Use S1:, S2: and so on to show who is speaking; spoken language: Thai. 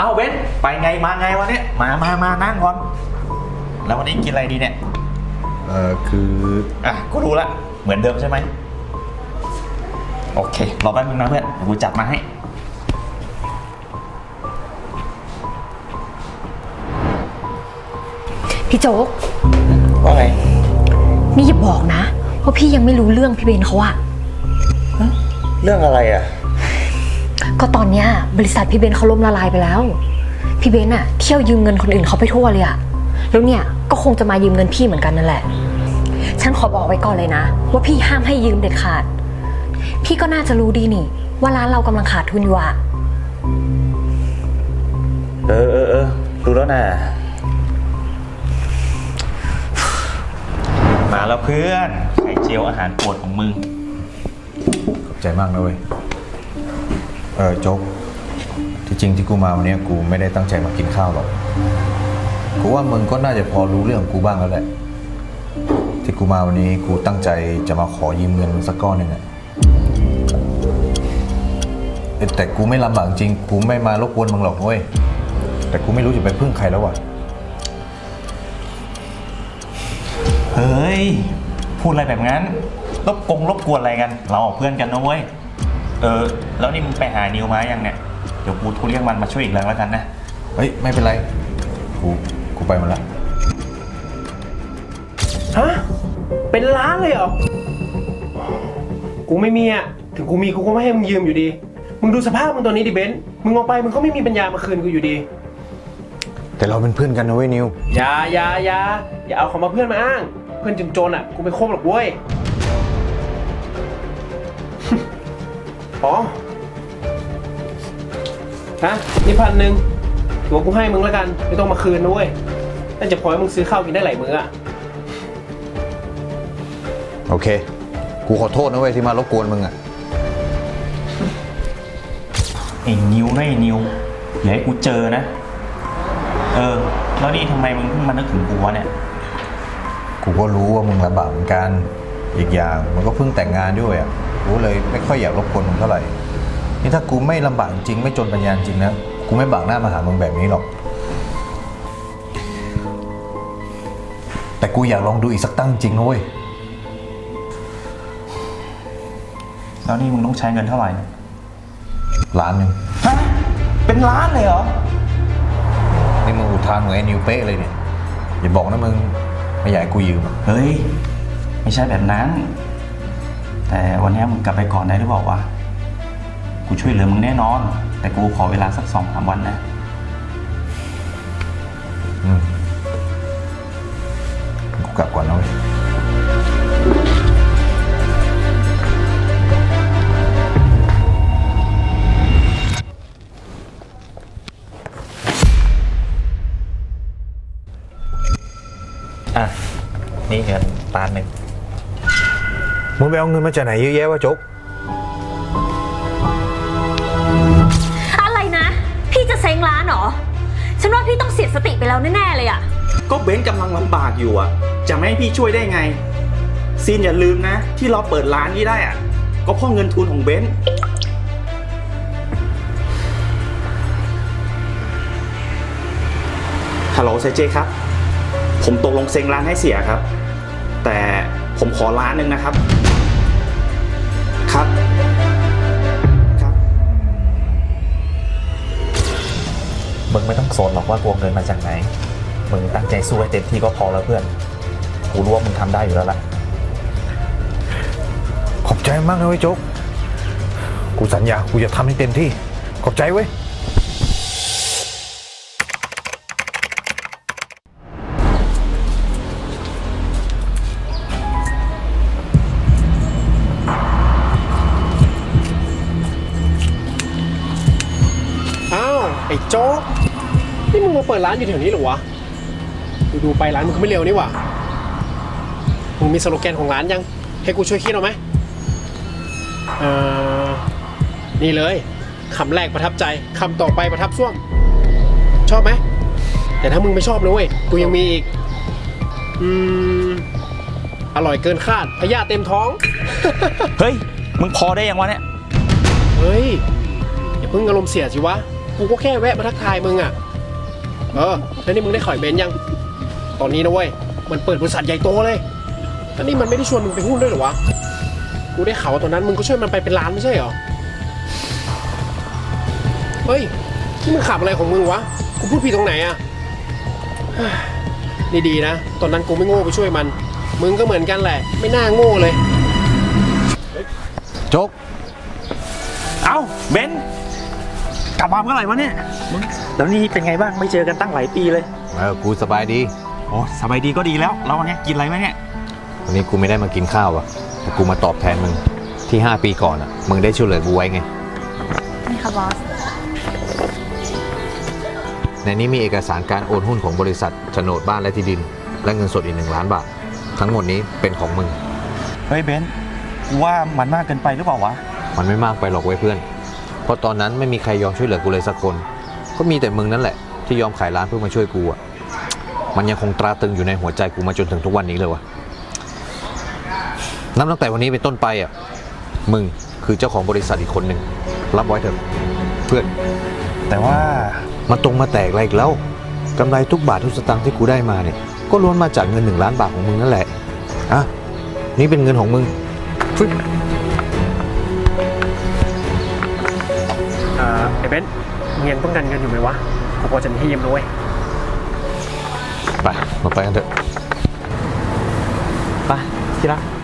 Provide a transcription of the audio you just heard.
S1: เอาเบนไปไงมาไงวันนี้มานั่งก่อนแล้ววันนี้กินอะไรดีเนี่ย
S2: คือ
S1: กูรู้ละเหมือนเดิมใช่ไหมโอเครอแป๊บนึงนะเพื่อนเดี๋ยวกูจัดมาให้
S3: พี่โจ๊ก
S1: ว่าไง
S3: นี่อย่าบอกนะว่าพี่ยังไม่รู้เรื่องพี่เบนเขาอะ
S1: เรื่องอะไรอะ
S3: ก็ตอนเนี้ยบริษัทพี่เบนเขาล่มละลายไปแล้วพี่เบนอะเที่ยวยืมเงินคนอื่นเขาไปทั่วเลยอะแล้วเนี่ยก็คงจะมายืมเงินพี่เหมือนกันนั่นแหละฉันขอบอกไว้ก่อนเลยนะว่าพี่ห้ามให้ยืมเด็ดขาดพี่ก็น่าจะรู้ดีนี่ว่าร้านเรากำลังขาดทุนอยู่อะ
S1: รู้แล้วนะมาแล้วเพื่อนไข่เจียวอาหารโปรดของมึง
S2: ขอบใจมากนะเว้ยโจ๊กที่จริงที่กูมาวันนี้กูไม่ได้ตั้งใจมากินข้าวหรอกกูว่ามึงก็น่าจะพอรู้เรื่องกูบ้างแล้วแหละที่กูมาวันนี้กูตั้งใจจะมาขอยืมเงินสักก้อนหนึ่งอะแต่กูไม่ลำบากจริงกูไม่มารบกวนมึงหรอกเว้ยแต่กูไม่รู้จะไปพึ่งใครแล้วว่ะ
S1: เฮ้ยพูดอะไรแบบนั้นรบกวนอะไรกันเราเพื่อนกันนะเว้ยแล้วนี่มึงไปหานิวมายังเนี่ยเดี๋ยวกูโทรเรียกมันมาช่วยอีกแรงแล้วกันนะ
S2: เฮ้ยไม่เป็นไรกูไปมาละ
S4: ฮะเป็นล้านเลยเหรอกูไม่มีอ่ะถึงกูมีกูก็ไม่ให้มึงยืมอยู่ดีมึงดูสภาพมึงตอนนี้ดิเบนซ์มึงออกไปมึงก็ไม่มีปัญญามาคืนกูอยู่ดี
S2: แต่เราเป็นเพื่อนกันนะเว้ยนิว
S4: อย่าเอาของมาเพื่อนมาอ้างเพื่อนจนอ่ะกูไม่คบหรอกเว้ยอ๋อฮะนี่1,000ถือว่ากูให้มึงแล้วกันไม่ต้องมาคืนนะเว้ยน่าจะพอให้มึงซื้อข้าวกินได้หลายมื้ออ่ะ
S2: โอเคกูขอโทษนะเว้ยที่มารบกวนมึงอ่ะ
S1: ไอ้นิวอย่าให้กูเจอนะแล้วนี่ทำไมมึงเพิ่งมานึกถึงกูวะเนี่ย
S2: กูก็รู้ว่ามึงลำบากเหมือนกันอีกอย่างมึงก็เพิ่งแต่งงานด้วยอ่ะกูเลยไม่ค่อยอยากรบกวนมึงเท่าไหร่นี่ถ้ากูไม่ลำบากจริงไม่จนปัญญาจริงนะกูไม่บากหน้ามาหามึงแบบนี้หรอกแต่กูอยากลองดูอีกสักตั้งจริงนะเว้ย
S1: แล้วนี่มึงต้องใช้เงินเท่าไหร่
S2: ล้านหนึ่ง
S1: ฮะเป็นล้านเลยเหรอ
S2: นี่มึงอุทานเหมือนไอ้นิวเป๊ะเลยเนี่ยอย่าบอกนะมึงไม่อยากให้กูยืม
S1: เฮ้ยไม่ใช่แบบนั้นแต่วันนี้มึงกลับไปก่อนได้หรือเปล่าวะกูช่วยเหลือมึงแน่นอนแต่กูขอเวลาสัก 2-3 วันนะ
S2: กูกลับก่อนนะเว้ย
S1: นี่เงิน1,000,000
S2: มึงไปเอาเงินมาจากไหนเยอะแยะวะโจ๊ก
S3: อะไรนะพี่จะเซ้งร้านเหรอฉันว่าพี่ต้องเสียสติไปแล้วแน่ๆเลยอะ
S1: ก็เบนซ์กำลังลำบากอยู่อะจะไม่ให้พี่ช่วยได้ไงซีนอย่าลืมนะที่เราเปิดร้านนี้ได้อะก็เพราะเงินทุนของเบนซ์ฮัลโหลเซเจครับผมตกลงเซ็งร้านให้เสียครับแต่ผมขอ1,000,000นะครับครับมึงไม่ต้องสนหรอกว่ากูเงินมาจากไหนมึงตั้งใจสู้ให้เต็มที่ก็พอแล้วเพื่อนกูรู้ว่ามึงทำได้อยู่แล้วล่ะ
S2: ขอบใจมากนะเว้ยโจ๊กกูสัญญากูจะทำให้เต็มที่ขอบใจเว้ย
S4: ไอ้โจ๊กนี่มึงมาเปิดร้านอยู่แถวนี้หรอวะดูไปร้านมึงก็ไม่เร็วนี่หว่ามึงมีสโลแกนของร้านยังให้กูช่วยคิดเอาไหมนี่เลยคำแรกประทับใจคำต่อไปประทับส้วมชอบไหมแต่ถ้ามึงไม่ชอบนะเว้ยกูยังมีอีกอร่อยเกินคาดพยาธิเต็มท้อง
S1: เฮ้ยมึงพอได้ยังวะเนี่ย
S4: เฮ้ยอย่าเพิ่งอารมณ์เสียสิวะกูก็แค่แวะมาทักทายมึงอ่ะแล้วนี่มึงได้ข่อยเบนซ์ยังตอนนี้นะเว้ยมันเปิดบริษัทใหญ่โตเลยแล้วนี่มันไม่ได้ชวนมึงไปหุ้นด้วยเหรอวะกูได้ข่าวว่าตอนนั้นมึงก็ช่วยมันไปเป็นล้านไม่ใช่เหรอเฮ้ยนี่มึงขับอะไรของมึงวะกูพูดผิดตรงไหนอ่ะนี่ดีนะตอนนั้นกูไม่โง่ไปช่วยมันมึงก็เหมือนกันแหละไม่น่าโง่เลย
S2: โจ๊ก
S1: เอ้าเบนกลับมาเมื่อไหร่วะเนี่ยแล้วนี่เป็นไงบ้างไม่เจอกันตั้งหลายปีเลย
S2: กูสบายดี
S1: โอ้สบายดีก็ดีแล้วแล้ววันนี้กินอะไรไหมเนี่ย
S2: วันนี้กูไม่ได้มากินข้าวอ่ะแต่กูมาตอบแทนมึงที่ 5 ปีก่อนอ่ะมึงได้ช่วยเหลือกูไว้ไง
S3: นี่ค่ะบอส
S2: ในนี้มีเอกสารการโอนหุ้นของบริษัทโฉนดบ้านและที่ดิน และเงินสดอีก1 ล้านบาททั้งหมดนี้เป็นของมึง
S1: เฮ้ยเบนกูว่ามันมากเกินไปหรือเปล่าวะ
S2: มันไม่มากไปหรอกเว้ยเพื่อนเพราะตอนนั้นไม่มีใครยอมช่วยเหลือกูเลยสักคนก็มีแต่มึงนั่นแหละที่ยอมขายร้านเพื่อมาช่วยกูอ่ะมันยังคงตราตรึงอยู่ในหัวใจกูมาจนถึงทุกวันนี้เลยวะนับตั้งแต่วันนี้เป็นต้นไปอ่ะมึงคือเจ้าของบริษัทอีกคนหนึ่งรับไว้เถอะเพื่อน
S1: แต่ว่า
S2: มาตรงมาแตกอะไรอีกแล้วกำไรทุกบาททุกสตางค์ที่กูได้มาเนี่ยก็ล้วนมาจากเงิน1 ล้านบาทของมึงนั่นแหละอ่ะนี่เป็นเงินของมึงฟึ๊บ
S4: ไอ้เบนซ์มึงยังต้องการเงินอยู่ไหมวะกูพอจะมีให้ยืมด้วย
S2: ไปมาไปกันเถอะ
S1: ไปที่รัก